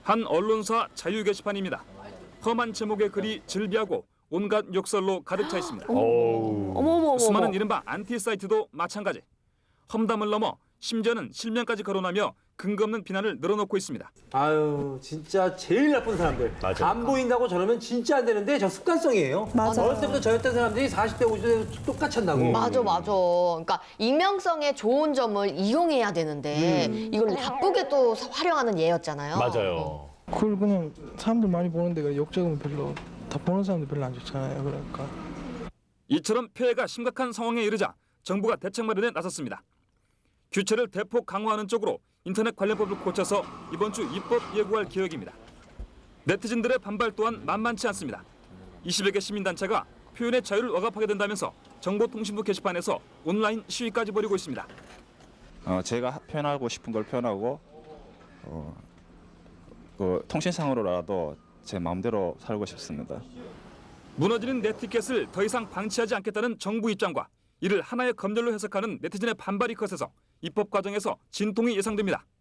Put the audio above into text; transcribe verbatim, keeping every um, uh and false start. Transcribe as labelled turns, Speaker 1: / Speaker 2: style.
Speaker 1: 한 언론사 자유 게시판입니다. 험한 제목의 글이 즐비하고 온갖 욕설로 가득 차 있습니다.
Speaker 2: 어머머머.
Speaker 1: 수많은 이른바 안티 사이트도 마찬가지. 험담을 넘어 심지어는 실명까지 거론하며 근거 없는 비난을 늘어놓고 있습니다.
Speaker 3: 아유, 진짜 제일 나쁜 사람들.
Speaker 4: 맞아요.
Speaker 3: 안 보인다고 저러면 진짜 안 되는데 저 습관성이에요.
Speaker 2: 맞아.
Speaker 3: 어렸을 때부터 저였던 사람들이 사십 대, 오십 대 똑같이 한다고.
Speaker 2: 맞아, 맞아. 그러니까 익명성의 좋은 점을 이용해야 되는데 이걸 나쁘게 또 활용하는 예였잖아요.
Speaker 4: 맞아요.
Speaker 5: 그걸 그냥 사람들 많이 보는데 그 욕적으면 별로 다 보는 사람들 별로 안 좋잖아요. 그러니까.
Speaker 1: 이처럼 피해가 심각한 상황에 이르자 정부가 대책 마련에 나섰습니다. 규제를 대폭 강화하는 쪽으로 인터넷 관련법을 고쳐서 이번 주 입법 예고할 계획입니다. 네티즌들의 반발 또한 만만치 않습니다. 이십여 개 시민단체가 표현의 자유를 억압하게 된다면서 정보통신부 게시판에서 온라인 시위까지 벌이고 있습니다.
Speaker 6: 어, 제가 표현하고 싶은 걸 표현하고 어, 그 통신상으로라도 제 마음대로 살고 싶습니다.
Speaker 1: 무너지는 네티켓을 더 이상 방치하지 않겠다는 정부 입장과 이를 하나의 검열로 해석하는 네티즌의 반발이 커져서 입법 과정에서 진통이 예상됩니다.